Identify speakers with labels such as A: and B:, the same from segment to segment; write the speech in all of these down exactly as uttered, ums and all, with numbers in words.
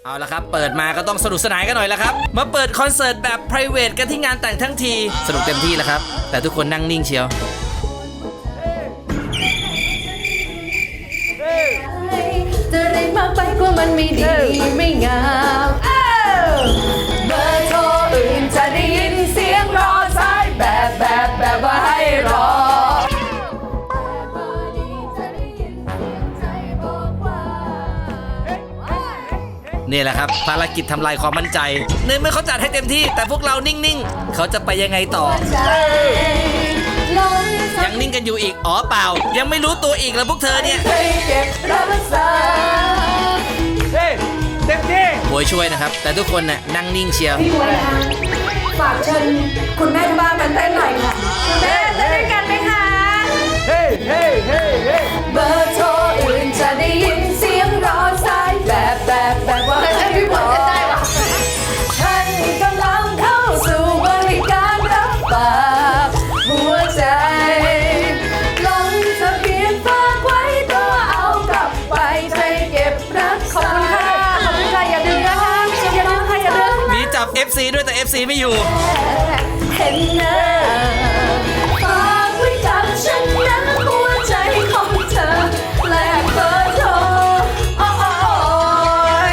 A: เอาละครับเปิดมาก็ต้องสนุกสนานกันหน่อยละครับมาเปิดคอนเสิร์ตแบบ ไพรเวท กันที่งานแต่งทั้งทีสนุกเต็มที่แล้วครับแต่ทุกคนนั่งนิ่งเชียว
B: จะได้มากไปกว่ามันไม่ดีไม่งามเบอร์โทรอื่นจะได้ยินเสียงรอสายแบบแบบแบบว่าให้รอ
A: นี่แหละครับภารกิจทำลายความมั่นใจในเมื่อเขาจัดให้เต็มที่แต่พวกเรานิ่งๆเขาจะไปยังไงต่อยังนิ่งกันอยู่อีกอ๋อเปล่ายังไม่รู้ตัวอีกแล้วพวกเธอเนี่ยเฮ้ยเต็มที่บวยช่วยนะครับแต่ทุกคนน่ะนั่งนิ่งเชียว
B: พี่บวยคะฝากเชิญคุณแม่บ้านมาเต้นหน่อยค่ะคุณแม่เต้นด้วยกันไหมคะเฮ้เฮ้เฮ้เฮ้เบอร์โทรอื่นจะได้ยินเสียงรอสายแบบแบบแบบว่าให้พี่บวยเต้นได้ปะฉันกำลังเข้าสู่บริการรับฝากหัวใจลงทะเบียนฝากไว้ก็เอากลับไปใช้เก็บรักษาขอบคุณค่ะขอบคุณค่ะอย่าดึงนะคะอย่าดึงค่ะอย่าดึง
A: มีจับ เอฟ ซี ด้วยแต่ เอฟ ซี ไม่อยู่
B: เห็นหน้าฝากไว้กับฉันนะหัวใจของเธอแลกเบอร์โทรโอ้ย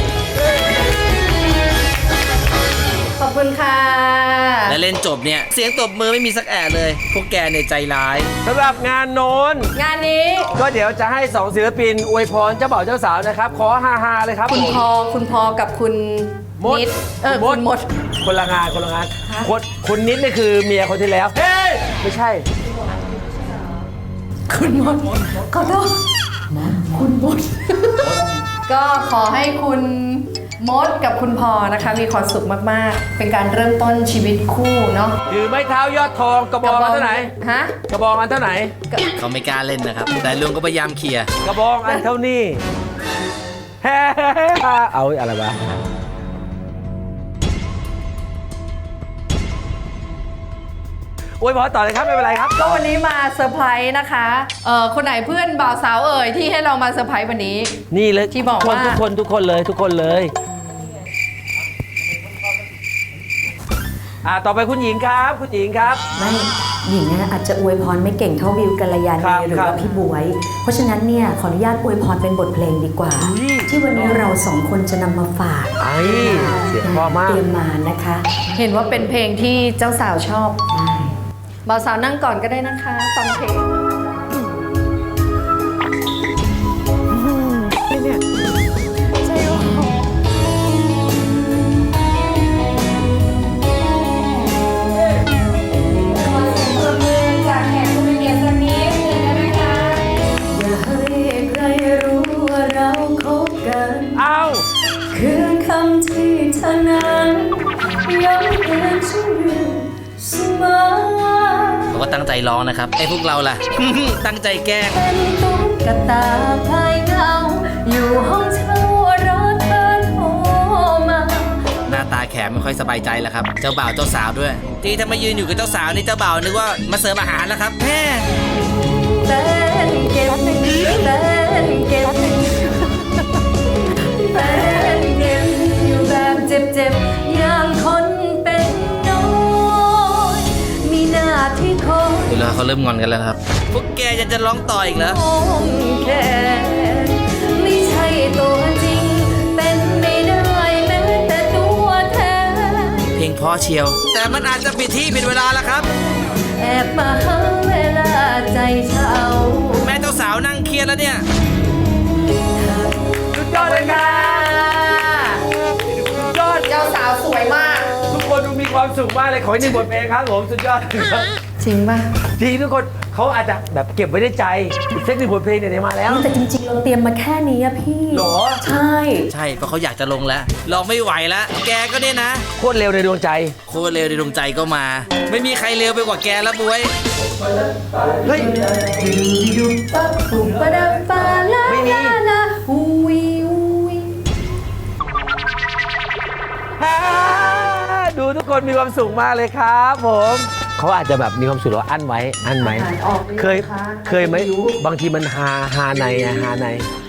B: ขอบคุณค่ะ
A: และเล่นจบเนี่ยเสียงตบมือไม่มีสักแอะเลยพวกแกเนี่ยใจร้าย
C: สำหรับงานโน้น
B: งานนี้
C: ก็เดี๋ยวจะให้สองศิลปินอวยพรเจ้าบ่าวเจ้าสาวนะครับขอฮาฮาเลยครับ
B: คุณพอคุณพอกับคุณนิดเออคุณมด
C: คนละงานคนละงานคนคุณนิดนี่คือเมียคนที่แล้วเฮ้ยไม่ใช่
B: คุณมดขอโทษคุณมดก็ขอให้คุณมดกับคุณพอนะคะมีความสุขมากๆเป็นการเริ่มต้นชีวิตคู่เนาะ
C: ถือไม้เท้ายอดทองกระบองอันเท่าไหร่
B: ฮะ
C: กระบองอันเท่าไหร่
A: เขาไม่กล้าเล่นนะครับแต่ลุงก็พยายามเคลียร์
C: กระบองอันเท่านี้เฮ้เอาอะไรวะอวยพรต่อเลยครับไม่เป็นไรครับ
B: ก็วันนี้มาเซอร์ไพรส์นะคะเอ่อคนไหนเพื่อนบ่าวสาวเอ่ยที่ให้เรามาเซอร์ไพรส์วันนี้
C: นี่เลย
B: ที่บอกว่า
C: ทุกคนทุกคนเลยทุกคนเลยอ่าต่อไปคุณหญิงครับคุณหญิงครับ
D: ไม่หญิงนะอาจจะอวยพรไม่เก่งเท่าวิวกัลยาณีหรือว่าพี่บวยเพราะฉะนั้นเนี่ยขออนุญาตอวยพรเป็นบทเพลงดีกว่าที่วันนี้เราสองคนจะนำมาฝาก
C: ไอ้เสียงพอมาก
D: เตรียมมานะคะ
B: เห็นว่าเป็นเพลงที่เจ้าสาวชอบบ่าวสาวนั่งก่อนก็ได้นะคะฟังเพลงเนี่ยใช่หรอ
D: คือคำที่เธอนั้นย้ำเตือนฉันอยู่เสมอ
A: เขาก็ตั้งใจร้องนะครับไอ้พวกเราล่ะ ตั้งใจแกล้ง
D: เป็นตุ๊กตาภายเงาอยู่ห้องเช่ารอเธอโทรมา
A: หน้าตาแขมไม่ค่อยสบายใจแล้วครับเจ้าบ่าวเจ้าสาวด้วยที่ถ้ามายืนอยู่กับเจ้าสาวนี่เจ้าบ่าวนึกว่ามาเสิร์ฟอาหารแล้วครับแม่
D: แฟนเก็บแฟนเก็บแฟนเก็บอยู่แบบเจ็บๆอย่างคนเป็นน้อยมีหน้าที่คอย
A: ดูแล้วเขาเริ่มงอนกันแล้วครับพวกแกยังจะร้องต่ออีกเหรอ
D: แค่ไม่ใช่ตัวจริงเป็นไม่ได้แม้แต่ตัวแทน
A: เพลงพ่อเชียวแต่มันอาจจะผิดที่ผิดเวลาแล้วครับ
D: แอบมาหาเวลาใจเช่า
A: แม่เจ้าสาวนั่งเครียดแล้วเนี่ย
C: สุดยอดเลยค่ะสุดยอด
B: เจ้าสาวสวยมาก
C: ทุกคนดูมีความสุขมากเลยขอให้ในบทเพลงครับผมสุดยอด
B: จริงป่ะ
C: จริงทุกคนเขาอาจจะแบบเก็บไว้ในใจเทคนิคบทเพลงเนี่ยมาแล้ว
D: แต่จริงๆเราเตรียมมาแค่นี้อะพี่
C: หรอ
D: ใช่
A: ใช่เพราะเขาอยากจะลงแล้วลองไม่ไหวแล้วแกก็เนี่ยนะ
C: โคตรเร็วในดวงใจ
A: โคตรเร็วในดวงใจก็มาไม่มีใครเร็วไปกว่าแกแล้วบวย
C: เฮ้ยไม่มีดูทุกคนมีความสุขมากเลยครับผมเขาอาจจะแบบมีความสุขแล้วอั้นไว้อั้นไหมเคยเคยไหมบางทีมันฮาฮาในฮาใน